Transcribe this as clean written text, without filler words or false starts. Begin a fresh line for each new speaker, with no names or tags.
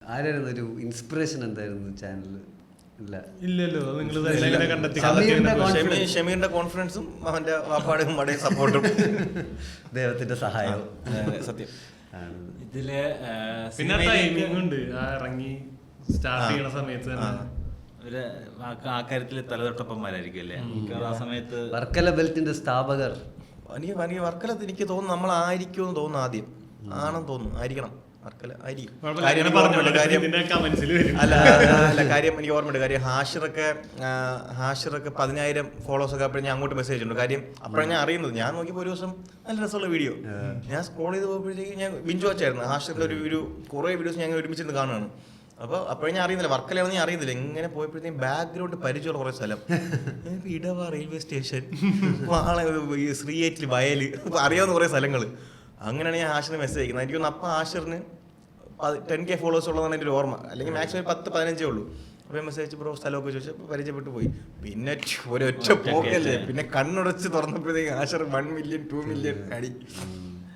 ആരായിരുന്നു ഒരു ഇൻസ്പിറേഷൻ എന്തായിരുന്നു ചാനലിൽ?
ഇല്ലല്ലോ,
ഷമീറിന്റെ കോൺഫിഡൻസും അവന്റെ വാപ്പാടും മടയും സപ്പോർട്ടും
ദൈവത്തിന്റെ സഹായവും
സത്യം.
ഇതില്
പിന്നെ ടൈമിംഗ് ഉണ്ട്, ഇറങ്ങി സ്റ്റാർട്ട് ചെയ്യണ സമയത്ത് തന്നെ
ഒരു ആ കാര്യത്തിൽ തലതൊട്ടപ്പന്മാരായിരിക്കും അല്ലേ ആ സമയത്ത്.
വർക്കല ബെൽറ്റിന്റെ സ്ഥാപകർ
എനിക്ക് വർക്കലത്ത് എനിക്ക് തോന്നുന്നു നമ്മളായിരിക്കുമെന്ന് തോന്നുന്നു, ആദ്യം ആണെന്ന് തോന്നുന്നു, ആയിരിക്കണം വർക്കല ആയിരിക്കും. അല്ല കാര്യം എനിക്ക് ഓർമ്മയുണ്ട്. കാര്യം ഹാഷിറൊക്കെ 10,000 ഫോളോവേഴ്സൊക്കെ അപ്പോഴും ഞാൻ അങ്ങോട്ട് മെസ്സേജ് ഉണ്ട്. കാര്യം അപ്പോഴാണ് ഞാൻ അറിയുന്നത്. ഞാൻ നോക്കിയപ്പോൾ ഒരു ദിവസം നല്ല രസമുള്ള വീഡിയോ ഞാൻ സ്ക്രോൾ ചെയ്ത് പോയപ്പോഴത്തേക്ക് ഞാൻ ബിഞ്ച് വാച്ചായിരുന്നു. ഹാഷിറിന്റെ ഒരു കുറേ വീഡിയോസ് ഞാൻ ഒരുമിച്ചിരുന്ന് കാണുകയാണ്. അപ്പോൾ അപ്പോഴും ഞാൻ അറിയുന്നില്ല വർക്കലാണെന്ന് ഞാൻ അറിയുന്നില്ല. എങ്ങനെ പോയപ്പോഴത്തേക്കും ബാക്ക്ഗ്രൗണ്ട് പരിചയമുള്ള കുറേ സ്ഥലം, ഇടവ റെയിൽവേ സ്റ്റേഷൻ, ശ്രീയേറ്റിൽ വയൽ, അറിയാവുന്ന കുറേ സ്ഥലങ്ങൾ. അങ്ങനെയാണ് ഞാൻ ഹാഷിറിന് മെസ്സേജ് അയക്കുന്നത്. എനിക്ക് തോന്നുന്നു അപ്പം ഹാഷിറിന് 10K ഫോളോവേഴ്സ് ഉള്ളതാണ് എൻ്റെ ഒരു ഓർമ്മ, അല്ലെങ്കിൽ മാക്സിമം 10-15 ഉള്ളൂ. അപ്പോൾ മെസ്സേജ് അയച്ച് ബ്രോ സ്ഥലമൊക്കെ ചോദിച്ചപ്പോൾ പരിചയപ്പെട്ടു പോയി. പിന്നെ ഒരൊറ്റ പോക്കല്ലേ, പിന്നെ കണ്ണുടച്ച് തുറന്നപ്പോഴത്തേക്ക് ഹാഷിർ 1 മില്യൺ 2 മില്യൺ അടി.